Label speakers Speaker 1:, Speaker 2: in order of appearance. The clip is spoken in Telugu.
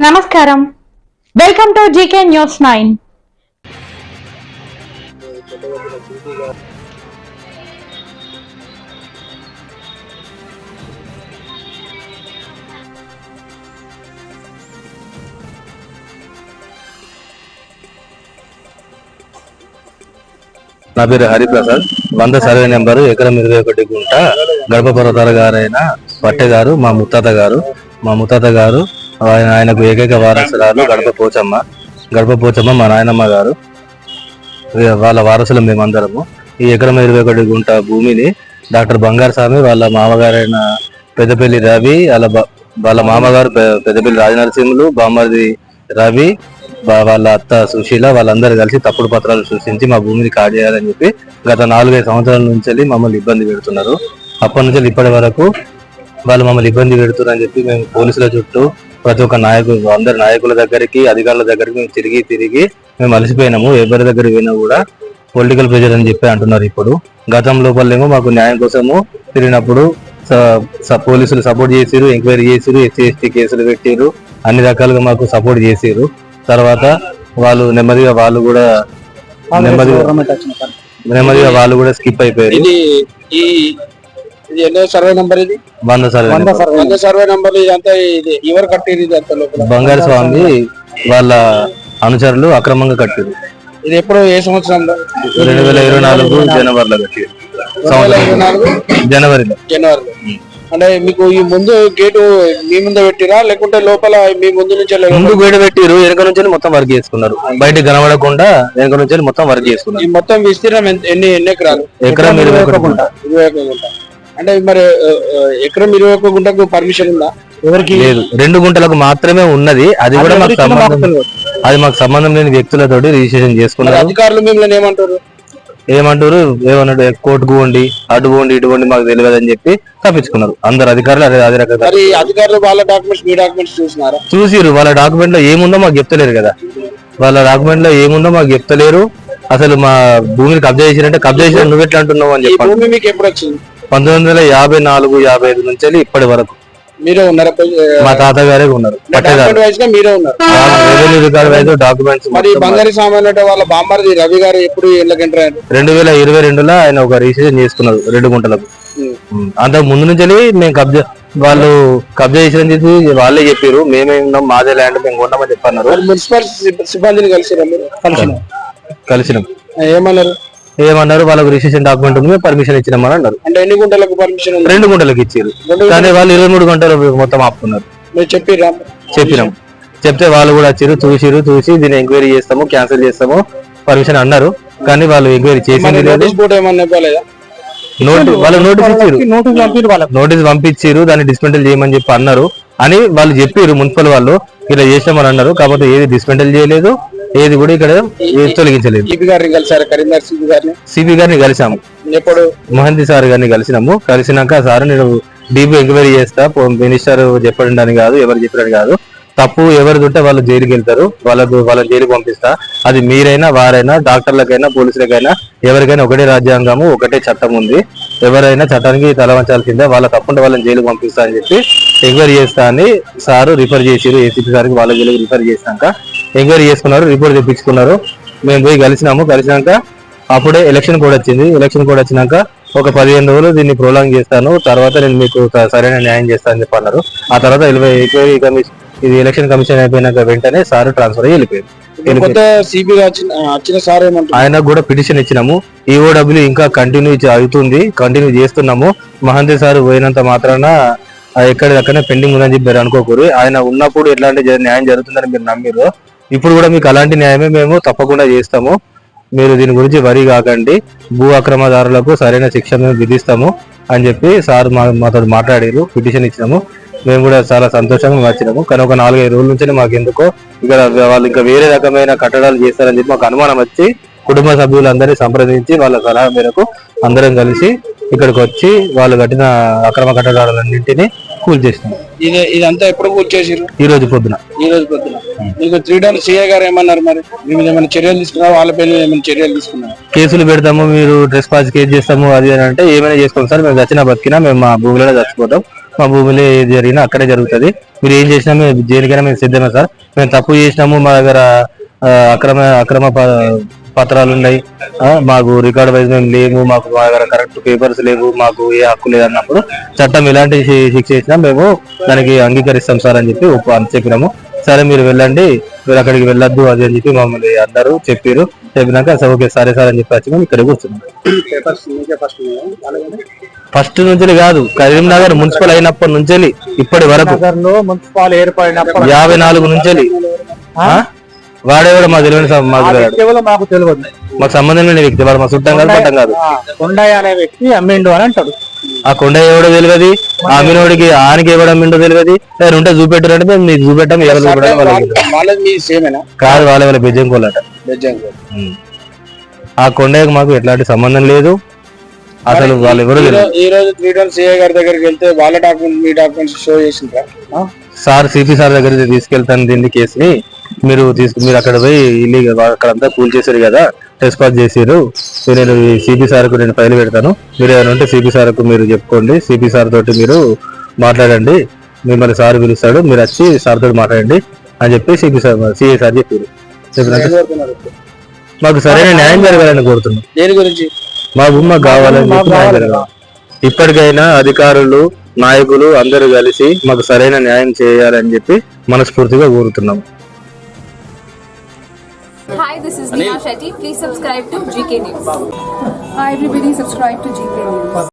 Speaker 1: నమస్కారం. Welcome to GK news 9.
Speaker 2: నా పేరు హరిప్రసాద్. 100 సర్వే నెంబరు ఎకరం 21 గుంట గడప పర్వతాల గారైన పట్టె గారు మా ముత్తాత గారు ఆయనకు ఏకైక వారసురాలు గడప పోచమ్మ మా నాయనమ్మ గారు. వాళ్ళ వారసులు మేమందరము. ఈ ఎకరం 21 గుంట భూమిని డాక్టర్ బంగారు స్వామి వాళ్ళ మామగారైన పెద్దపల్లి రవి వాళ్ళ మామగారు పెద్దపల్లి రాజనరసింహులు, బామ్మర్ది రవి, వాళ్ళ అత్త సుశీల వాళ్ళందరూ కలిసి తప్పుడు పత్రాలు సృష్టించి మా భూమిని కాజేయాలని చేయాలని చెప్పి గత 4-5 సంవత్సరాల నుంచి మమ్మల్ని ఇబ్బంది పెడుతున్నారు. అప్పటి నుంచి ఇప్పటి వరకు వాళ్ళు మమ్మల్ని ఇబ్బంది పెడుతున్నారని చెప్పి మేము పోలీసుల చుట్టూ ప్రతి ఒక్క అందరి నాయకుల దగ్గరికి, అధికారుల దగ్గరికి మేము తిరిగి మేము అలసిపోయినాము. ఎవరి దగ్గర పోయినా కూడా పొలిటికల్ ప్రెజర్ అని చెప్పి అంటున్నారు. ఇప్పుడు గతం లోపలేమో మాకు న్యాయం కోసము తిరిగినప్పుడు పోలీసులు సపోర్ట్ చేసిరు, ఎంక్వైరీ చేసిరు, SC/ST కేసులు పెట్టిరు, అన్ని రకాలుగా మాకు సపోర్ట్ చేసిరు. తర్వాత వాళ్ళు నెమ్మదిగా వాళ్ళు కూడా స్కిప్ అయిపోయారు.
Speaker 3: సర్వే నంబర్ ఇది
Speaker 2: 100
Speaker 3: సర్వే నంబర్ ఇదంతా ఇది ఎవరు కట్టిరు? ఇది అంతా లోపల
Speaker 2: బంగారు స్వామి వాళ్ళ అనుచరులు అక్రమంగా కట్టారు.
Speaker 3: ఇది ఎప్పుడు ఏ సంవత్సరంలో?
Speaker 2: 2024 జనవరిలో కట్టారు. జనవరిలో.
Speaker 3: అంటే మీకు ఈ ముందు గేటు మీ ముందు పెట్టిరా లేకుంటే లోపల మీ ముందు నుంచి
Speaker 2: ముందు గేటు పెట్టిరు, వెనక నుంచి మొత్తం వర్క్ చేసుకున్నారు. బయట కనబడకుండా వెనక నుంచి మొత్తం వర్క్ చేసుకున్నారు.
Speaker 3: ఈ మొత్తం విస్తీర్ణం ఎన్ని ఎకరాలు?
Speaker 2: ఎకరం 21 గుంట.
Speaker 3: అంటే మరి ఎకరం 21 గుంటకు పర్మిషన్ ఉందా?
Speaker 2: ఎవరికి లేదు, 2 గుంటలకు మాత్రమే ఉన్నది. అది కూడా మాకు సంబంధం లేని వ్యక్తులతోటి రిజిస్ట్రేషన్ చేసుకున్నారు.
Speaker 3: అధికారులు మిమ్మల్ని
Speaker 2: ఏమంటారు కోర్టుకు పోండి, అటు పోండి, ఇటు పోండి, మాకు తెలియదు అని చెప్పి తప్పించుకున్నారు అందరు అధికారులు. అదే రకంగా
Speaker 3: అధికారులు వాళ్ళ డాక్యుమెంట్స్ మీ డాక్యుమెంట్స్
Speaker 2: చూసిరు. వాళ్ళ డాక్యుమెంట్ లో ఏముందో మాకు చెప్తలేరు కదా. వాళ్ళ డాక్యుమెంట్ లో ఏముందో మాకు చెప్తలేరు. అసలు మా భూమిని కబ్జా చేసిరంటే కబ్జా చేసిన నువ్వు ఎట్లా అంటున్నావు అని చెప్పి.
Speaker 3: మీకు ఎప్పుడు వచ్చింది?
Speaker 2: 1954-55 నుంచి ఇప్పటి వరకు
Speaker 3: మీరే ఉన్నారు?
Speaker 2: మా తాతగారే ఉన్నారు.
Speaker 3: మీరే ఉన్నారు.
Speaker 2: డాక్యుమెంట్స్
Speaker 3: మరి బంగారు సామాన్ వాళ్ళ బామ్మర్ది రవి గారు ఎప్పుడు ఇళ్ళకి ఎంటర్ అయ్యారు?
Speaker 2: 2022లో ఆయన ఒక రిజిస్ట్రేషన్ చేసుకున్నారు 2 గుంటలకు. అంతకు ముందు నుంచి మేము వాళ్ళు కబ్జా చేసిన చెప్పి వాళ్ళే చెప్పారు. మేమే ఉన్నాం, మాదే ల్యాండ్, మేము కొన్నామని చెప్పన్నారు.
Speaker 3: మున్సిపల్ సిబ్బందిని కలిసినాం.
Speaker 2: ఏమన్నారు వాళ్ళకు రిజిస్ట్రేషన్ డాక్యుమెంట్ ఉంది, మేము పర్మిషన్ ఇచ్చినామని అన్నారు.
Speaker 3: అంటే ఎన్ని గుంటలకు పర్మిషన్?
Speaker 2: 2 గుంటలకు ఇచ్చారు. కానీ వాళ్ళు 23 గంటలు మొత్తం ఆపుకున్నారు. చెప్పినాం. చెప్తే వాళ్ళు కూడా వచ్చారు, చూసి దీన్ని ఎంక్వైరీ చేస్తాము, క్యాన్సిల్ చేస్తాము పర్మిషన్ అన్నారు. కానీ వాళ్ళు ఎంక్వైరీ చేసింది లేదు. వాళ్ళు నోటీస్ పంపించారు, దాన్ని డిస్మెంటల్ చేయమని చెప్పి అన్నారు అని వాళ్ళు చెప్పారు. మున్సిపల్ వాళ్ళు ఇలా చేసామని అన్నారు. కాకపోతే ఏది డిస్మెంటల్ చేయలేదు, ఏది కూడా ఇక్కడ తొలగించలేదు. సిపి గారిని కలిసాము, మహంతి సార్ గారిని కలిసినాము. కలిసినాక సార్ నేను డీపీ ఎంక్వైరీ చేస్తా, మినిస్టర్ చెప్పండి కాదు, ఎవరు చెప్పారని కాదు, తప్పు ఎవరిది ఉంటే వాళ్ళు జైలుకి వెళ్తారు, వాళ్ళని జైలుకి పంపిస్తా. అది మీరైనా వారైనా, డాక్టర్లకైనా పోలీసులకైనా ఎవరికైనా ఒకటే రాజ్యాంగము, ఒకటే చట్టం ఉంది. ఎవరైనా చట్టానికి తలవంచాల్సిందే. వాళ్ళ తప్పుంటే వాళ్ళని జైలుకి పంపిస్తా అని చెప్పి ఎంక్వైరీ చేస్తా అని సారు రిఫర్ చేసిరు. ఏసీపీ సార్కి వాళ్ళ జైలుకి రిఫర్ చేసినాక ఎంక్వైరీ చేసుకున్నారు, రిపోర్ట్ తెప్పించుకున్నారు. మేము పోయి కలిసినాక అప్పుడే ఎలక్షన్ కోడ్ వచ్చింది. ఎలక్షన్ కోడ్ వచ్చినాక ఒక 15 రోజులు దీన్ని ప్రోలాంగ్ చేస్తాను, తర్వాత నేను మీకు సరైన న్యాయం చేస్తానని చెప్పి అన్నారు. ఆ తర్వాత ఇది ఎలక్షన్ కమిషన్ అయిపోయినాక వెంటనే సార్ ట్రాన్స్ఫర్ అయ్యి వెళ్ళిపోయారు. ఆయనకు కూడా పిటిషన్ ఇచ్చినాము. EOW ఇంకా కంటిన్యూ చేస్తున్నాము. మహంతి సార్ పోయినంత మాత్రాన ఎక్కడికక్కడనే పెండింగ్ ఉందని చెప్పి మీరు అనుకోకూరు. ఆయన ఉన్నప్పుడు ఎట్లాంటి న్యాయం జరుగుతుందని మీరు నమ్మిరు. ఇప్పుడు కూడా మీకు అలాంటి న్యాయమే మేము తప్పకుండా చేస్తాము. మీరు దీని గురించి వరి కాకండి. భూ అక్రమదారులకు సరైన శిక్ష మేము విధిస్తాము అని చెప్పి సార్ మాతో మాట్లాడారు. పిటిషన్ ఇచ్చినాము. మేము కూడా చాలా సంతోషంగా వచ్చినాము. కానీ ఒక 4-5 రోజుల నుంచి మాకు ఎందుకో ఇక్కడ వాళ్ళు ఇంకా వేరే రకమైన కట్టడాలు చేస్తారని చెప్పి మాకు అనుమానం వచ్చి కుటుంబ సభ్యులందరినీ సంప్రదించి వాళ్ళ సలహా మేరకు అందరం కలిసి ఇక్కడికి వచ్చి వాళ్ళు కట్టిన అక్రమ కట్టడాలన్నింటినీ కూల్చేసినాం.
Speaker 3: ఇదంతా ఎప్పుడు కూల్చేసారు?
Speaker 2: ఈ రోజు పొద్దున.
Speaker 3: మీకు 3 డౌన్ సీఏ గారు ఏమన్నారు? మరి మీ మీద ఏమైనా చర్యలు తీసుకున్నారు? వాళ్ళ పేరు ఏమైనా చర్యలు తీసుకున్నారు?
Speaker 2: కేసులు పెడతాము, మీరు ట్రెస్ పాస్ కేసు చేస్తాము అది అని అంటే ఏమైనా చేసుకోండి సార్, మేము చచ్చినా బతికినా మేము మా భూమిలో చచ్చిపోతాం, మా భూమిలో ఏది జరిగినా అక్కడే జరుగుతుంది, మీరు ఏం చేసినా మేము దేనికైనా మేము సిద్ధమే సార్. మేము తప్పు చేసినాము, మా దగ్గర అక్రమ పత్రాలు ఉన్నాయి, మాకు రికార్డ్ వైజ్ మేము లేము, మాకు మా దగ్గర కరెక్ట్ పేపర్స్ లేవు, మాకు ఏ హక్కు లేదు అన్నప్పుడు చట్టం ఎలాంటి శిక్ష చేసినా మేము దానికి అంగీకరిస్తాం సార్ అని చెప్పి చెప్పినాము. సరే మీరు వెళ్ళండి, మీరు అక్కడికి వెళ్ళొద్దు అది అని చెప్పి మమ్మల్ని అందరూ చెప్పినాక సరే ఓకే సరే సార్ అని చెప్పి వచ్చి మేము ఇక్కడ కూర్చున్నాం. ఫస్ట్ నుంచి కాదు, కరీంనగర్ మున్సిపల్ అయినప్పటి నుంచి ఇప్పటి వరకు
Speaker 4: మున్సిపల్ ఏర్పడినప్పుడు
Speaker 2: 54 నుంచి వాడేవాడు మాకు తెలియని
Speaker 4: మాకు తెలియదు,
Speaker 2: మాకు సంబంధం లేని వ్యక్తి, వాడు మా చుట్టం కాదు పట్టం కాదు.
Speaker 4: కొండయ్య అనే వ్యక్తి అమ్మిండు అని అంటాడు.
Speaker 2: ఆ కొండయ్య ఎవడో తెలియదు, ఆ అమ్మినోడికి ఆనికి ఎవడు అమ్మిండో తెలియదు. నేను ఉంటే చూపెట్టారంటే మేము మీకు చూపెట్టాం, ఎవరు కాదు వాళ్ళ వాళ్ళ బెజ్జంకోలట. ఆ కొండయ్యకు మాకు ఎట్లాంటి సంబంధం లేదు అసలు. వాళ్ళు ఎవరు
Speaker 3: ఈ రోజు 3 టౌన్ సిఐ గారి దగ్గరికి వెళ్తే వాళ్ళ డాక్యుమెంట్ మీ డాక్యుమెంట్స్ షో చేసిండ్రా
Speaker 2: సార్? సిపి సార్ దగ్గర తీసుకెళ్తాను దీన్ని కేసుని, మీరు అక్కడ పోయి ఇల్లీగల్ అక్కడంతా కూల్ చేశారు కదా, టెస్ట్ పాస్ చేసారు. నేను సిపి సార్ కు నేను ఫైల్ పెడతాను, మీరు ఏమైనా ఉంటే సిపి సార్ కు మీరు చెప్పుకోండి, సిపి సార్ తోటి మీరు మాట్లాడండి, మిమ్మల్ని సార్ పిలుస్తాడు, మీరు వచ్చి సార్ తోటి మాట్లాడండి అని చెప్పి సిఐ సార్ చెప్పారు. మాకు సరైన న్యాయం జరగాలని కోరుతున్నాం.
Speaker 3: దేని గురించి?
Speaker 2: మాకు కావాలని చెప్పి న్యాయం జరగాలి. ఇప్పటికైనా అధికారులు నాయకులు అందరూ కలిసి మాకు సరైన న్యాయం చేయాలని చెప్పి మనస్ఫూర్తిగా కోరుతున్నాం.
Speaker 5: Hi, this is Neha Shetty. Please subscribe to GK News.
Speaker 6: Hi everybody, subscribe to GK News.